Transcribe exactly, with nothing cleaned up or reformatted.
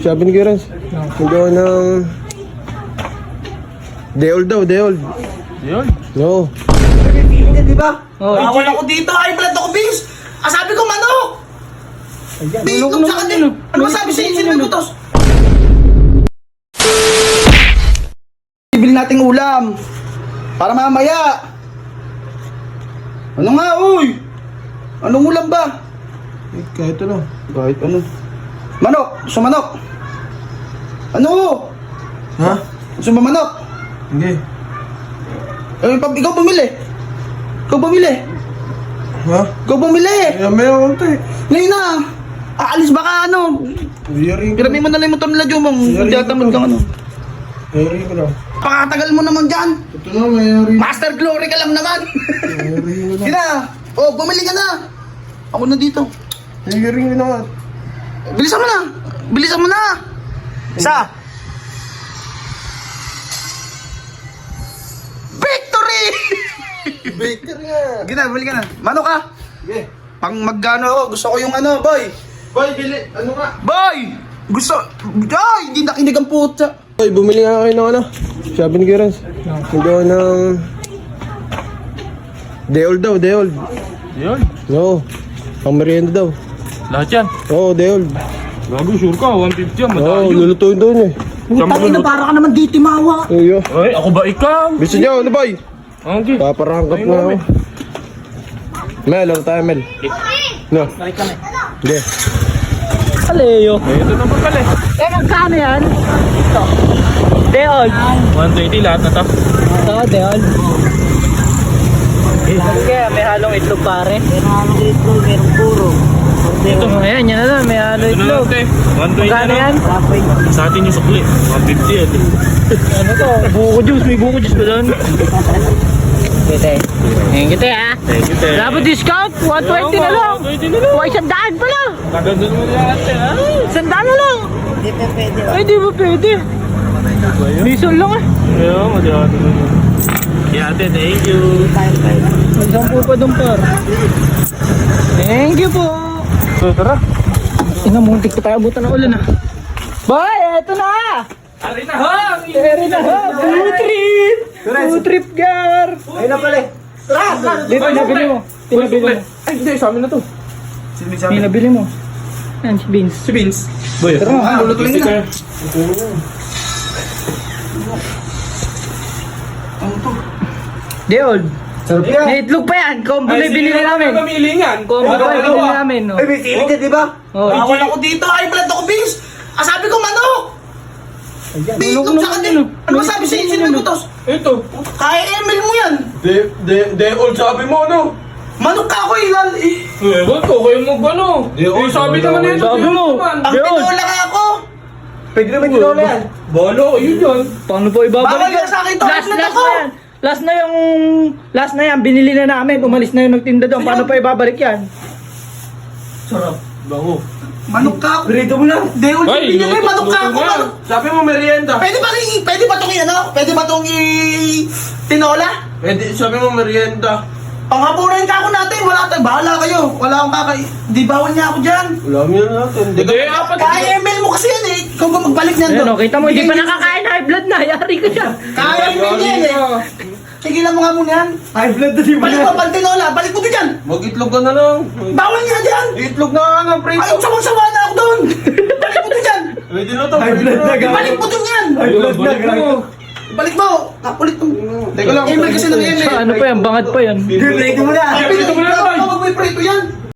Sabi ni Gerans, nagawa ng... Deol daw, Deol. Deol? No. Di ba? Oh, Bawal ako dito, ay blood ako, Bings! Ah, sabi ko manok! Bingog sa kanil! Ano masabi sa'yo? Sino may butos? Bibili nating ulam. Para mamaya. Ano nga, uy? Anong ulam ba? Eh, kahit ano. Kahit ano. Manok! Gusto manok? Ano? Ha? Gusto mo manok? Hindi. Eh, pag ikaw bumili. Ikaw bumili. Ha? Ikaw bumili. Ay, meron ko eh. Ngayon na. Aalis ba ka ano? Yaring ko. Grabe mo na lang yung motor nila, Jumong. Yari Diyatamad ko. kang ano. Yaring ko lang. Pakatagal mo naman dyan. Ito na, may yaring. Master Glory ka lang naman. Yaring ko Sige na. na. Oh, bumili ka na. Ako na dito. May yaring ko na nga. Bilisan mo na. Bilisan mo na. Isa. Victory! Baker nga. Sige na, bumili ka na. Mano ka? Sige. Pang magkano ako. Gusto ko yung ano, boy. Boy, bili. Ano nga? Boy! Gusto. Ay, hindi nakinig ang puta. Boy, bumili nga kayo ng ano. Sabi ni Gerans, nagawa ng... Deol daw, Deol. Deol? No. Pang merienda daw. Lahat yan? Oo, Deol. Gago, sure ka, one fifty yan, Oo, matayo. lulutuin daw niya eh. Putang ina, para ka naman dito, mawa. Uyo. Ay, ako ba ikaw? Gusto niyo, ano boy? Okay. Paparangkap Ayun na nga, ako. Mel, ano tayo, Mel? No. Balik kami. Hindi. Aleo. Eh, ito naman pala eh. Eh, magkano yan? Ito. Deol. one twenty lahat na to. Ito, Deol. Kaya may halong itlog pare. Meron halong itlog, meron puro. Ito, ayan, yan na lang, may halong Ito na lang, itlog. te. one twenty Magkano na yan? lang. Sa atin yung sukli. one fifty yan. eh. Ano to? Buko juice, may buko juice ba doon? Kita eh. Ayan kita ah. Thank you, te. Dapat discount, one twenty na lang. one twenty na lang. Huwag isang daan pala. Kaganda naman yan, te. ha? Isang daan na lang. Hindi pa pwede. Ay, di ba pwede? Lison lang eh. Ayaw, masyado na yun. Yeah, te, thank you. May sampu pa doon par. Thank you po. So, tara. Ina, muntik pa tayo abutan ng ulan ah. Boy, eto na! Ari na, ha? Eri na ha! Food trip! Food trip, gar! Ayun na pala eh. Tara! Dito, pinabili mo. Pinabili mo. Ay, hindi, sa amin na to. Pinabili mo. Yan, si Vince. Si Vince. Boy, Tara, ha, lulutuin na. Deol. Sarap yan. May itlog pa yan. Combo na binili namin. Pamili yan. Combo na binili namin. No? Ay, may sili ka, di ba? Oh, Bawal ako dito, ay blood ako, Bings! Ah, sabi ko manok! Bingog sa kanil! Ano masabi sa'yo? Sino may butos? Ito. Kaya M L mo yan! De, de, de, old sabi mo, no? Manok ka ako, ilal! Eh, Ewan ko, kayo mag ano. Di, oh, Eh, sabi wala, naman wala. nito. Sabi mo. Pang Deol. tinola ka ako! Pwede naman tinola yan. Bolo, yun yun. Paano po ibabalik? Bawal yan sa akin to, Last, outlet last ako. na yan. Last na yung... Last na yan. Binili na namin. Umalis na yung nagtinda doon. Paano pa ibabalik yan? Sarap. Bango. Manok ka ako! Rito mo lang. Deol, Ay, bigyan mo, luto- manok ka luto ako! nga. manok. Sabi mo merienda. Pwede ba rin, pwede ba itong ano? Pwede ba itong i... tinola? Pwede, sabi mo merienda. Panghapunan ka ako natin, wala tayo, bahala kayo. Wala akong kakay... Di bawal niya ako dyan. Wala mo yan natin. Hindi Hindi, apat. Kaya M L mo kasi yan eh. Ikaw ba magbalik niyan Ayun, doon? oh, kita mo, hindi pa nakakain high blood na. Yari ka dyan. Kaya M L yan eh. Tigilan mo nga muna yan. High blood na di Balik mo, pag tinola, balik mo din dyan. Mag-itlog ka na lang. Bawal niya dyan. Itlog na nga ng prito. Ayaw, sawa-sawa na ako doon. Balik mo din dyan. Pwede na to. High blood na Balik mo din yan. High blood na gago. Balik mo. Kapulit mo. Teka lang. M L kasi ng M L. Sa ano pa yan? Bangad pa yan. Prito mo na. Ay, Prito mo na, Ikaw, boy. ikaw, mag-may prito yan.